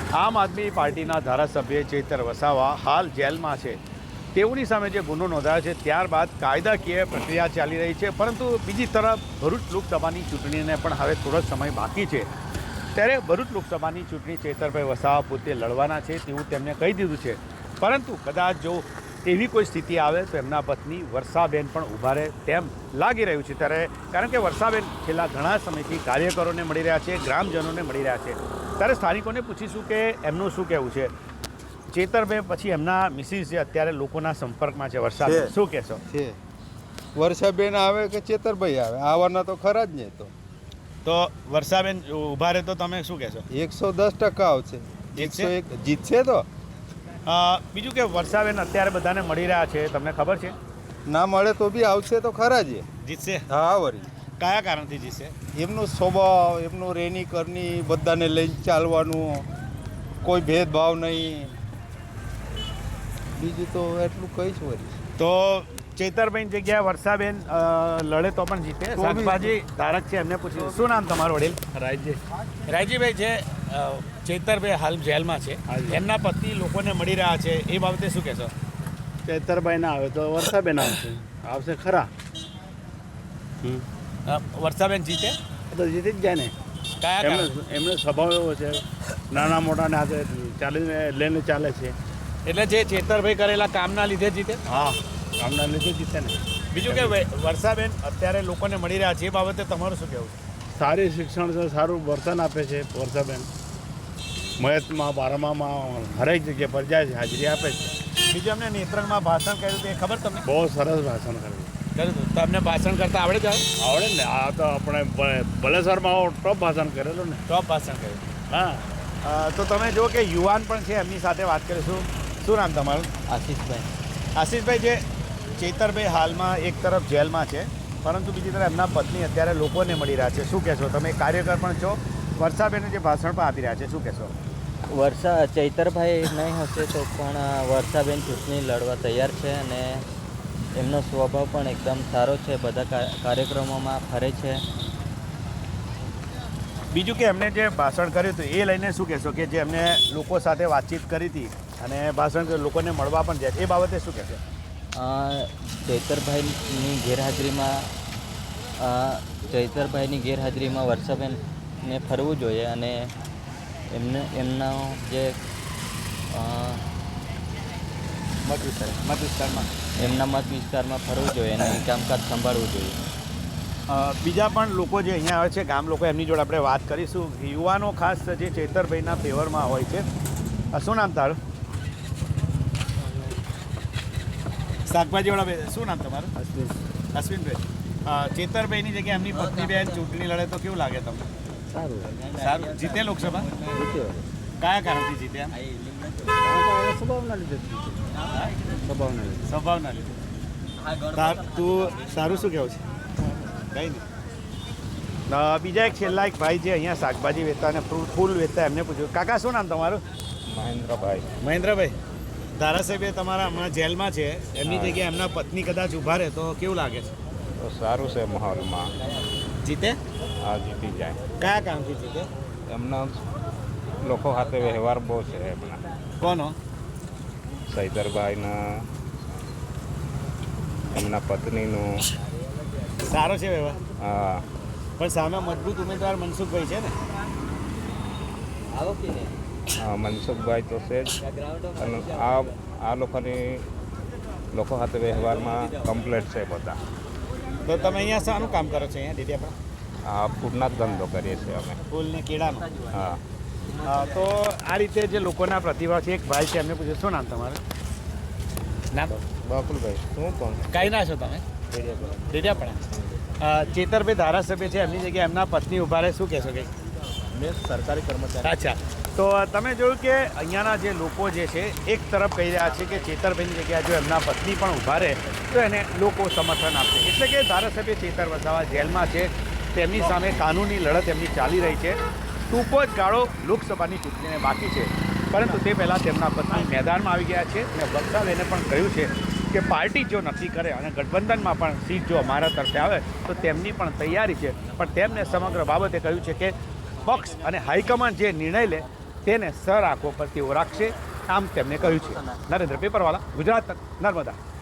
આમ આદમી પાર્ટીના ધારાસભ્ય ચેતર વસાવા હાલ જેલમાં છે. તેઓની સામે જે ગુનો નોંધાયો છે ત્યારબાદ કાયદાકીય પ્રક્રિયા ચાલી રહી છે, પરંતુ બીજી તરફ ભરૂચ લોકસભાની ચૂંટણીને પણ હવે થોડો સમય બાકી છે. ત્યારે ભરૂચ લોકસભાની ચૂંટણી ચેતરભાઈ વસાવા પોતે લડવાના છે તેવું તેમને કહી દીધું છે, પરંતુ કદાચ જો એવી કોઈ સ્થિતિ આવે તો એમના પત્ની વર્ષાબેન પણ ઊભા રહે તેમ લાગી રહ્યું છે. ત્યારે કારણ કે વર્ષાબેન છેલ્લા ઘણા સમયથી કાર્યકરોને મળી રહ્યા છે, ગ્રામજનોને મળી રહ્યા છે. ત્યારે સ્થાનિકોને પૂછીશું કે એમનું શું કહેવું છે. ચેતરભાઈ પછી એમના મિસિસ જે અત્યારે લોકોના સંપર્કમાં છે, વર્ષાબેન, શું કહેશો? વર્ષાબેન આવે કે ચેતરભાઈ આવે, આવવાના તો ખરા જ નહીં. તો વર્ષાબેન ઊભા રહે તો તમે શું કહેશો? 110% આવશે. 101 જીતશે. તો બીજું કે વર્ષાબેન અત્યારે બધાને મળી રહ્યા છે, તમને ખબર છે? ના મળે તો બી આવશે તો ખરા જ. જીતશે? હા. વળી કયા કારણથી જીતશે? એમનો સ્વભાવ, એમનું રેની કરની, બધાને લઈને ચાલવાનું, કોઈ ભેદભાવ નહીં. બીજું તો એટલું કહીશ. વળી તો ચેતરભાઈની જગ્યાએ વર્ષાબેન લડે તો પણ જીતે. શાકભાજી ધારક છે, એમને પૂછ્યું. શું નામ તમારું વડીલ? રાયજીભાઈ છે. ચેતરભાઈ હાલ જેલમાં છે, એમના પતિ લોકોને મળી રહ્યા છે, એ બાબતે શું કહેશો? ચેતરભાઈ ના આવે તો વર્ષાબેન આવશે ખરા. વર્ષાબેન જીતે તો જીતી જ જાય ને. કયા એમનો સ્વભાવ એવો છે, નાના મોટાને હાથે ચાલીને લઈને ચાલે છે. એટલે જે ચેતરભાઈ કરેલા કામના લીધે જીતે? હા, કામના લીધે જીતે ને. બીજું કે વર્ષાબેન અત્યારે લોકોને મળી રહ્યા છે, એ બાબતે તમારું શું કહેવું છે? સારી શિક્ષણ છે, સારું વર્તન આપે છે વર્ષાબેન. મહેતમાં, બારમામાં હરેક જગ્યા પર જાય છે, હાજરી આપે છે. બીજું એમને નેત્રંગમાં ભાષણ કર્યું તે ખબર તમને? બહુ સરસ ભાષણ કર્યું. તમને ભાષણ કરતા આવડે છે? આવડે ને. આ તો આપણે બલેસરમાં ટોપ ભાષણ કરેલું ને. ટોપ ભાષણ કર્યું. હા. તો તમે જો કે યુવાન પણ છે, એમની સાથે વાત કરીશું. શું નામ તમારું? આશીષભાઈ. આશીષભાઈ, જે ચેતરભાઈ હાલમાં એક તરફ જેલમાં છે, પરંતુ બીજી તરફ એમના પત્ની અત્યારે લોકોને મળી રહ્યા છે, શું કહેશો? તમે કાર્યકર પણ છો, વર્ષાબેને જે ભાષણ પણ આપી રહ્યા છે, શું કહેશો? ચૈતરભાઈ નહીં હશે તો પણ વર્ષાબેન ચૂંટણી લડવા તૈયાર છે અને એમનો સ્વભાવ પણ એકદમ સારો છે, બધા કાર્યક્રમોમાં ફરે છે. બીજું કે એમને જે ભાષણ કર્યું હતું એ લઈને શું કહેશો, કે જે એમને લોકો સાથે વાતચીત કરી હતી અને ભાષણ લોકોને મળવા પણ જાય, એ બાબતે શું કહેશો? ચૈતરભાઈની ગેરહાજરીમાં વર્ષાબેનને ફરવું જોઈએ અને એમના જે મત વિસ્તારમાં ફરવું જોઈએ અને કામકાજ સંભાળવું જોઈએ. બીજા પણ લોકો જે અહીંયા આવે છે, ગામ લોકો, એમની જોડે આપણે વાત કરીશું. યુવાનો ખાસ જે ચેતરભાઈના ફેવરમાં હોય છે. શું નામ તારું? શાકભાજીવાળા, શું નામ તમારું? અશ્વિનભાઈ. ચેતરભાઈની જગ્યાએ એમની પત્ની બેન ચૂંટણી લડે તો કેવું લાગે તમને? સારું. જીતે લોકસભા? કયા કારણથી જીતે? સ્વભાવના લીધે. સ્વભાવના લીધે. તું તારું શું કહેવું છે? કંઈ નહીં. બીજા એક છેલ્લા એક ભાઈ જે અહીંયા શાકભાજી વેચતા અને ફૂલ વેચતા, એમને પૂછ્યું. કાકા, શું નામ તમારું? મહેન્દ્રભાઈ. મહેન્દ્રભાઈ, ધારાસભ્ય તમારા હમણાં જેલમાં છે, એમની જગ્યાએ એમના પત્ની કદાચ ઊભા રહે તો કેવું લાગે છે? તો સારું છે માહોલમાં. જીતે? હા, જીતી જાય. કયા કામથી જીતે? એમના લોકો સાથે વ્યવહાર બહુ છે એમના. કોનો? ચૈતરભાઈના, એમના પત્નીનું સારો છે વ્યવહાર. હા. પણ સામે મજબૂત ઉમેદવાર મનસુખભાઈ છે ને? હા, મનસુખભાઈ તો છે જ. અને આ લોકો સાથે વ્યવહારમાં કમ્પ્લેટ છે બધા. તો તમે અહીંયા શાનું કામ કરો છો? અહીંયા ડેડિયાપાડા? આ ફૂડના જ ધંધો કરીએ છીએ અમે. ફૂલ ને કેળાનો? હા. તો આ રીતે જે લોકોના પ્રતિભાવ છે, એક ભાઈ છે, એમને પૂછ્યું. શું નામ તમારું? નામ? બાપુલભાઈ. શું પણ કાંઈ ના છો તમે? ડેડિયાપાડા. ચેતરભાઈ ધારાસભ્ય છે, એમની જગ્યાએ એમના પત્ની ઊભા રહે, શું કહેશો? કંઈ મેં સરકારી કર્મચારી. અચ્છા. તો તમે જોયું કે અહીંયાના જે લોકો જે છે એક તરફ કહી રહ્યા છે કે ચેતરભાઈની જગ્યાએ જો એમના પત્ની પણ ઊભા રહે તો એને લોકો સમર્થન આપશે. એટલે કે ધારાસભ્ય ચેતર વસાવા જેલમાં છે, તેમની સામે કાનૂની લડત એમની ચાલી રહી છે. ટૂંકો જ ગાળો લોકસભાની ચૂંટણીને બાકી છે, પરંતુ તે પહેલાં તેમના પત્ની મેદાનમાં આવી ગયા છે અને વર્ષાબેને પણ કહ્યું છે કે પાર્ટી જો નક્કી કરે અને ગઠબંધનમાં પણ સીટ જો અમારા તરફે આવે તો તેમની પણ તૈયારી છે. પણ તેમને સમગ્ર બાબતે કહ્યું છે કે પક્ષ અને હાઈકમાન્ડ જે નિર્ણય લે તેને સર આંખો પર તેઓ રાખશે, આમ તેમણે કહ્યું છે. નરેન્દ્ર પેપરવાલા, ગુજરાત તક, નર્મદા.